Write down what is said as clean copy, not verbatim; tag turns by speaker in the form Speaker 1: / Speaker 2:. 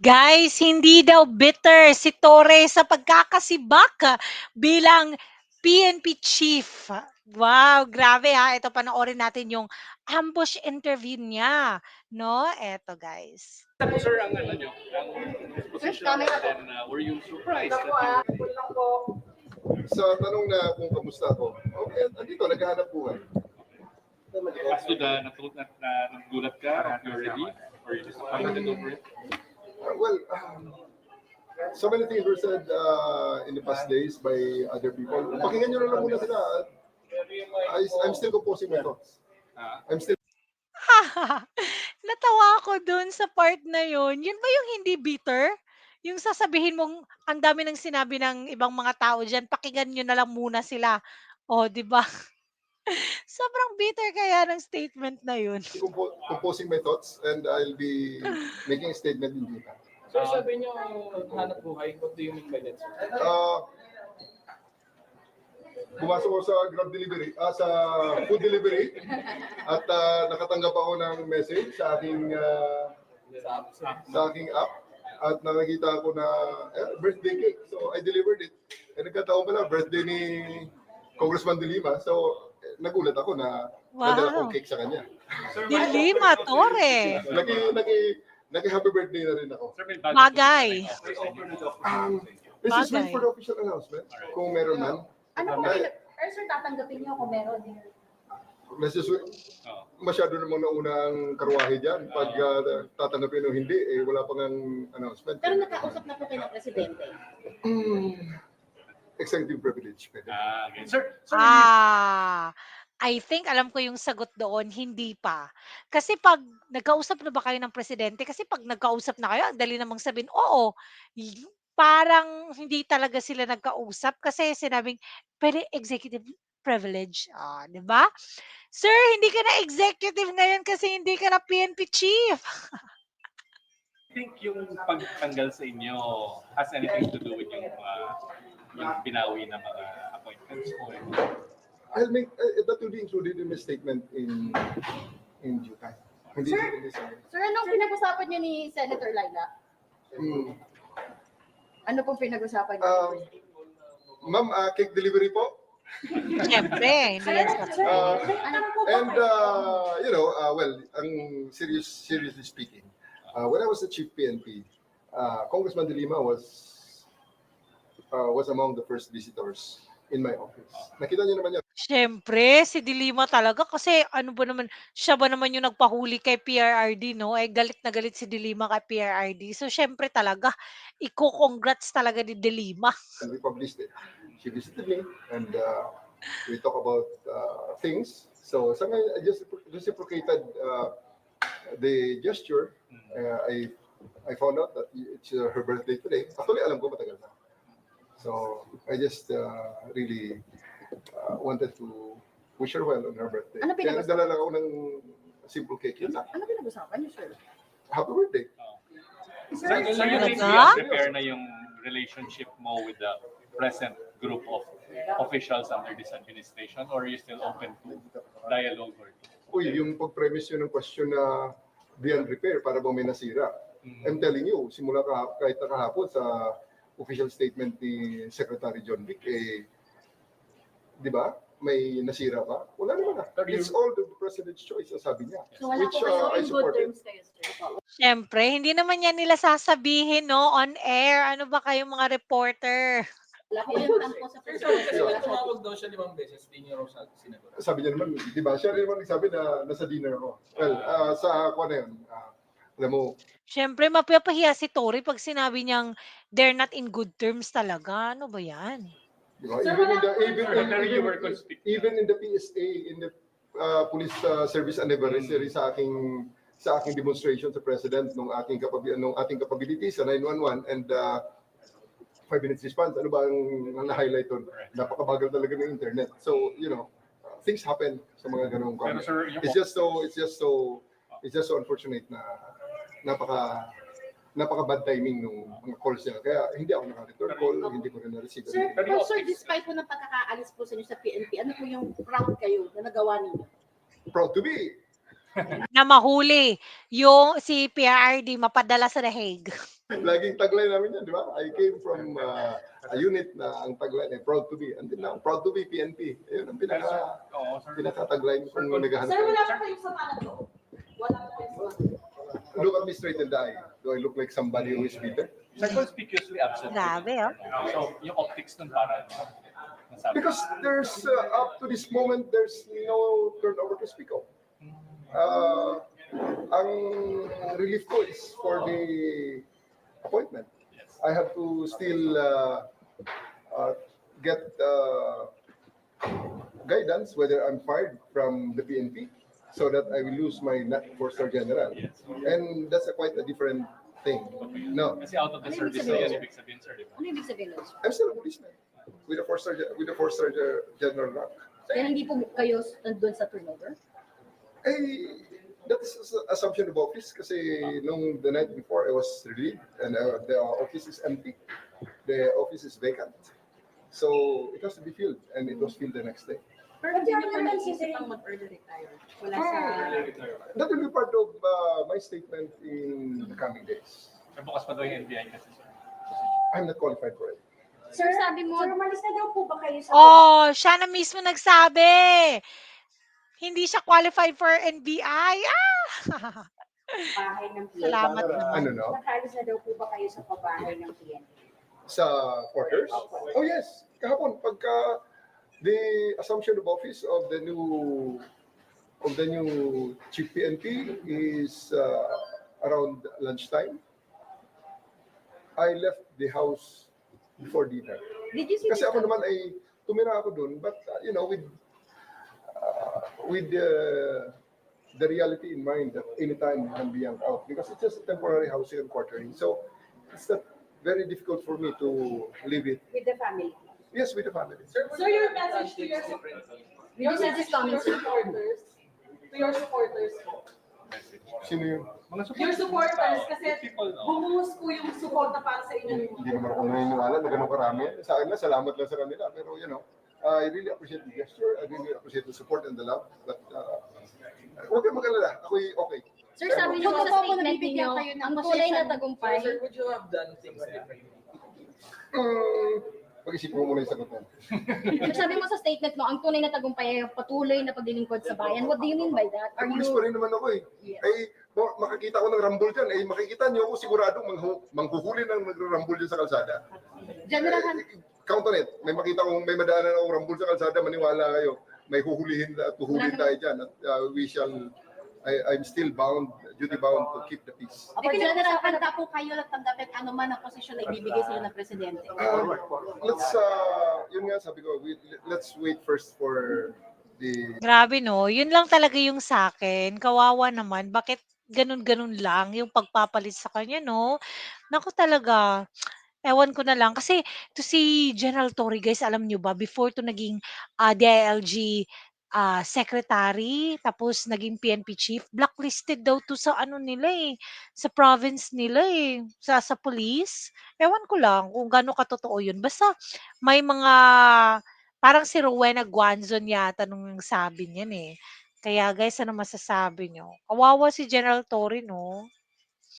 Speaker 1: Guys, hindi daw bitter si Torre sa pagkakasibak bilang PNP chief. Wow, grabe ha. Ito panoorin natin yung ambush interview niya, no? Eto guys.
Speaker 2: Ano sir ang ano nyo, ang position, and then were you surprised that
Speaker 3: Sa tanong na kung kamusta ako, okay, andito, naghahanap buhay.
Speaker 2: as to the nagulat ka of your relief or you disappointed over it?
Speaker 3: Well, so many things were said in the past days by other people. Pakinggan nyo na lang muna sila. I'm still composing my thoughts. I'm still
Speaker 1: Natawa ako dun sa part na yun. Yun ba yung hindi bitter? Yung sasabihin mong ang dami ng sinabi ng ibang mga tao diyan, pakinggan niyo na lang muna sila. Oh, 'di ba? Sobrang bitter kaya ng statement na yun.
Speaker 3: composing my thoughts and I'll be making a statement in due time.
Speaker 4: Sir, sabi niyo hanap buhay. What do you mean by that, sir?
Speaker 3: Pumasok ko sa Grab delivery, sa food delivery at nakatanggap ako ng message sa aking app at nakakita ko na birthday cake. So I delivered it. Nagkataon pala birthday ni Congressman De Lima. So nagulat ako na nadala kong cake sa kanya.
Speaker 1: De Lima, Torre.
Speaker 3: Nag-happy birthday na rin ako.
Speaker 2: Sir, may
Speaker 1: Bagay.
Speaker 3: This is wait for the official announcement. Kung meron man.
Speaker 5: Ano kung sir, tatanggapin niyo kung meron?
Speaker 3: Let's just wait. Masyado namang naunang karwahe dyan. Pag tatanggapin o hindi, wala pang announcement.
Speaker 5: Pero nakausap na po kayo ng presidente.
Speaker 3: Executive privilege.
Speaker 2: Okay. Sir,
Speaker 1: I think alam ko yung sagot doon, hindi pa. Kasi pag nagkausap na ba kayo ng presidente? Kasi pag nagkausap na kayo, ang dali namang sabihin, oo, parang hindi talaga sila nagkausap kasi sinabing, pwede executive privilege. Di ba? Sir, hindi ka na executive ngayon kasi hindi ka na PNP chief.
Speaker 2: I think yung pagtanggal sa inyo has anything to do with yung binawi na mga appointments or
Speaker 3: I'll make that will be included in my statement in due time. Hindi
Speaker 5: Sir, anong pinag-usapan niyo ni Senator Laila? Ano pong pinag-usapan niyo?
Speaker 3: Ma'am, cake delivery po.
Speaker 1: Siyempre, hindi yan sa
Speaker 3: well, ang seriously speaking, when I was the chief PNP, Congressman De Lima was among the first visitors in my office. Nakita niyo naman yan.
Speaker 1: Siyempre, si De Lima talaga kasi ano ba naman, siya ba naman yung nagpahuli kay PRRD, no? Galit na galit si De Lima kay PRRD. So, siyempre talaga, iko-congrats talaga ni De Lima.
Speaker 3: And we published it. She visited me and we talk about things. So, I just reciprocated the gesture. I found out that it's her birthday today. Actually, alam ko matagal na. So, I just really wanted to wish her well on her birthday.
Speaker 5: Ano
Speaker 3: Kaya nagdala lang ako ng simple cake. Yun lang.
Speaker 5: Ano pinag-usapan niyo, sir?
Speaker 3: Happy birthday.
Speaker 2: So you think you
Speaker 1: Talaga?
Speaker 2: prepare na yung relationship mo with the present group of officials under this administration or are you still open to dialogue?
Speaker 3: Uy, yung pag-premise yun ng question na beyond repair para bang may nasira. I'm telling you, simula kahit kahapon sa official statement ni Secretary John Vic, di ba? May nasira ba? Wala naman na. It's all the President's choice, sabi niya.
Speaker 5: So wala
Speaker 3: Which
Speaker 5: po kayo
Speaker 3: I
Speaker 5: in good
Speaker 3: support it.
Speaker 5: terms kayo, sir?
Speaker 1: Siyempre, hindi naman yan nila sasabihin, no? On air. Ano ba kayong mga reporter?
Speaker 5: Wala po yung tampo sa
Speaker 4: Sir,
Speaker 5: presidente.
Speaker 4: kasi tumawag daw siya 5 beses, di niyo raw sinagot.
Speaker 3: Sabi niya naman, di ba? Siya rin naman nagsabi na nasa dinner ako. Well, sa ako na yun. Alam mo,
Speaker 1: Siyempre, mapapahiya si Tory pag sinabi niyang they're not in good terms talaga. Ano ba yan?
Speaker 3: di ba?
Speaker 5: Sir,
Speaker 3: Even in the PSA, in the police service anniversary sa aking demonstration sa President nung ating capability sa 911 and 5 minutes response. Ano ba ang na-highlight doon? Napakabagal talaga ng internet. So, things happen sa mga ganung comments. It's just so unfortunate na napaka bad timing nung mga calls niya. Kaya hindi ako naka-return call, hindi ko rin na-receive.
Speaker 5: Sir, despite po ng pagkakaalis po sa inyo sa PNP, ano po yung proud kayo na nagawa ninyo?
Speaker 3: Proud to be
Speaker 1: na mahuli yung si PRRD mapadala sa The Hague.
Speaker 3: Laging tagline namin yan, di ba? I came from a unit na ang tagline ay proud to be. Until now, proud to be PNP. Ayun ang
Speaker 2: Oo, sir.
Speaker 3: pinaka-tagline kung naghahanap.
Speaker 5: Sir, wala
Speaker 3: tayo.
Speaker 5: pa kayong sama na to. Wala pa kayong sama na to.
Speaker 3: Look at me straight in the eye. Do I look like somebody who is bitter?
Speaker 2: Sir, conspicuously absent.
Speaker 1: Grabe, oh.
Speaker 2: So, yung optics nun para nasabi.
Speaker 3: Because there's, up to this moment, there's no turnover to speak of. Ang relief ko is for the appointment. I have to still get guidance whether I'm fired from the PNP so that I will lose my 4-star general.
Speaker 2: Yes.
Speaker 3: And that's quite a different thing. No,
Speaker 2: Kasi out of the
Speaker 5: Ano ibig
Speaker 2: service na
Speaker 5: sabihin?
Speaker 2: yan, ibig sabihin, sir, di ba?
Speaker 5: Ano ibig sabihin nun, sir?
Speaker 3: I'm still a policeman with a 4-star general rank.
Speaker 5: Kaya hindi po kayo nandun sa turnover?
Speaker 3: That is assumption of office kasi nung the night before I was relieved and the office is empty. The office is vacant. So it has to be filled and it was filled the next day.
Speaker 5: Pero hindi nyo pa naisip ang mag-early retire. Wala sa...
Speaker 3: That will be part of my statement in the coming days.
Speaker 2: Sir, bukas pa daw yung NBI kasi, sir.
Speaker 3: I'm not qualified for it.
Speaker 5: Sir, sabi mo...
Speaker 6: Sir, umalis na daw po ba kayo sa
Speaker 1: Oh, siya na mismo nagsabi. Hindi siya qualified for NBI. Ah!
Speaker 6: pabahay ng PNP?
Speaker 1: Salamat naman.
Speaker 3: Ano no?
Speaker 6: Nakalis na daw po ba kayo sa pabahay ng PNP?
Speaker 3: Sa quarters? Oh yes. Kahapon pagka the assumption of office of the new chief PNP is around lunchtime. I left the house before dinner.
Speaker 5: Did you see
Speaker 3: Kasi
Speaker 5: this?
Speaker 3: ako naman ay tumira ako dun, but with the reality in mind that anytime you can be yanked out because it's just a temporary housing and quartering. So it's not very difficult for me to leave it.
Speaker 6: With the family?
Speaker 3: Yes, with the family.
Speaker 4: Sir,
Speaker 5: So your message to your Did you see this comment, sir?
Speaker 7: To your supporters po.
Speaker 2: Message.
Speaker 3: Sino yun?
Speaker 2: Mga
Speaker 7: Your supporters, kasi
Speaker 2: people, no?
Speaker 7: bumuhos po yung support na para sa inyo.
Speaker 3: Hindi naman ako naniniwala na ganun karami. Sa akin na, salamat lang sa kanila. Pero I really appreciate the gesture. I really appreciate the support and the love. But huwag kayong mag-alala. Ako'y okay.
Speaker 5: Sir, sabi niyo
Speaker 6: Kung
Speaker 5: sa
Speaker 6: totoo po
Speaker 5: statement
Speaker 6: nabibigyan
Speaker 5: niyo,
Speaker 6: kayo ng
Speaker 5: ang tunay na
Speaker 6: position.
Speaker 5: tagumpay.
Speaker 4: Sir, would you have done things differently?
Speaker 3: Pag-isip ko muna yung sagot mo.
Speaker 5: Sir, sabi mo sa statement mo, ang tunay na tagumpay ay ang patuloy na paglilingkod sa bayan. What do you mean by that? Are
Speaker 3: Pulis
Speaker 5: you...
Speaker 3: pa rin naman ako eh.
Speaker 5: Yes.
Speaker 3: Ay, makakita ko ng rambol dyan. Eh, makikita niyo ako sigurado manghuhuli ng nagrarambol dyan sa kalsada.
Speaker 5: General Han,
Speaker 3: Count on it. May makita kong may madaanan akong rambol sa kalsada, maniwala kayo. May huhulihin at huhulihin tayo dyan. At I'm still duty bound to keep the peace.
Speaker 5: Opo, General Han,
Speaker 6: Handa po kayo at tanggapin ano man ang posisyon na ibibigay sila ng presidente.
Speaker 3: Yun nga sabi ko, let's wait first for the
Speaker 1: Grabe 'no, yun lang talaga yung sa'kin, kawawa naman bakit ganun-ganun lang yung pagpapalit sa kanya 'no? Naku talaga, ewan ko na lang kasi 'to si General Torre guys alam niyo ba before 'to naging, DILG, secretary tapos naging PNP chief, blacklisted daw 'to sa ano nila, eh, sa province nila, eh, sa police. Ewan ko lang kung gaano katotoo yun basta may mga parang si Rowena Guanzon yata nung nagsabi niyan, eh. Kaya guys, ano masasabi niyo? Kawawa si General Torre 'no?